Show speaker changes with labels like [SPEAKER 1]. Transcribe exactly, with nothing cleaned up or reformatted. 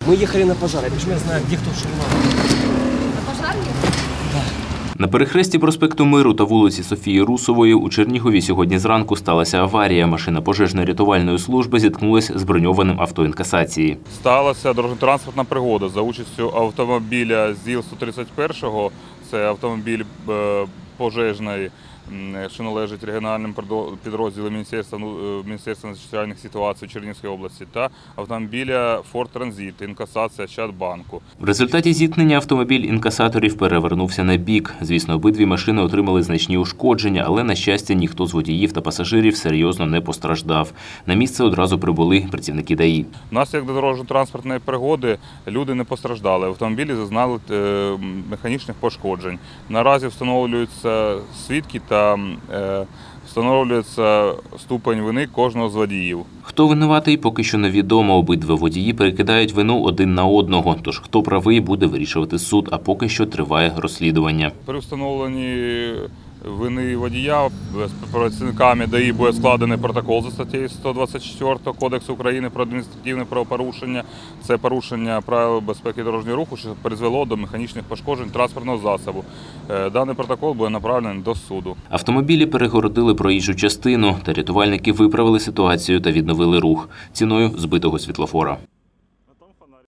[SPEAKER 1] Мы ехали на пожар. Я почему я знаю, где кто что надо.
[SPEAKER 2] На пожарні?
[SPEAKER 3] На перехресті проспекту Миру та вулиці Софії Русової у Чернігові сьогодні зранку сталася аварія. Машина пожежно-рятувальної служби зіткнулася з броньованим авто інкасації.
[SPEAKER 4] Сталася дорожньо-транспортна пригода за участю автомобіля ЗІЛ сто тридцять один, це автомобіль пожежної, що належить регіональним підрозділам Міністерства, Міністерства надзвичайних ситуацій Чернігівської області, та автомобіля Форд Транзит, інкасація Ощадбанку.
[SPEAKER 3] В результаті зіткнення автомобіль інкасаторів перевернувся на бік. Звісно, обидві машини отримали значні ушкодження, але, на щастя, ніхто з водіїв та пасажирів серйозно не постраждав. На місце одразу прибули працівники ДАІ.
[SPEAKER 4] Внаслідок дорожньо-транспортної пригоди люди не постраждали. Автомобілі зазнали механічних пошкоджень. Наразі встановлюються свідки та встановлюється ступень вини кожного з водіїв.
[SPEAKER 3] Хто винуватий, поки що невідомо. Обидва водії перекидають вину один на одного. Тож хто правий, буде вирішувати суд, а поки що триває розслідування.
[SPEAKER 4] При встановленні вини водія з працівниками ДАІ буде складений протокол за статтею сто двадцять чотири Кодексу України про адміністративне правопорушення. Це порушення правил безпеки дорожнього руху, що призвело до механічних пошкоджень транспортного засобу. Даний протокол буде направлений до суду.
[SPEAKER 3] Автомобілі перегородили проїжджу частину, та рятувальники виправили ситуацію та відновили рух ціною збитого світлофора.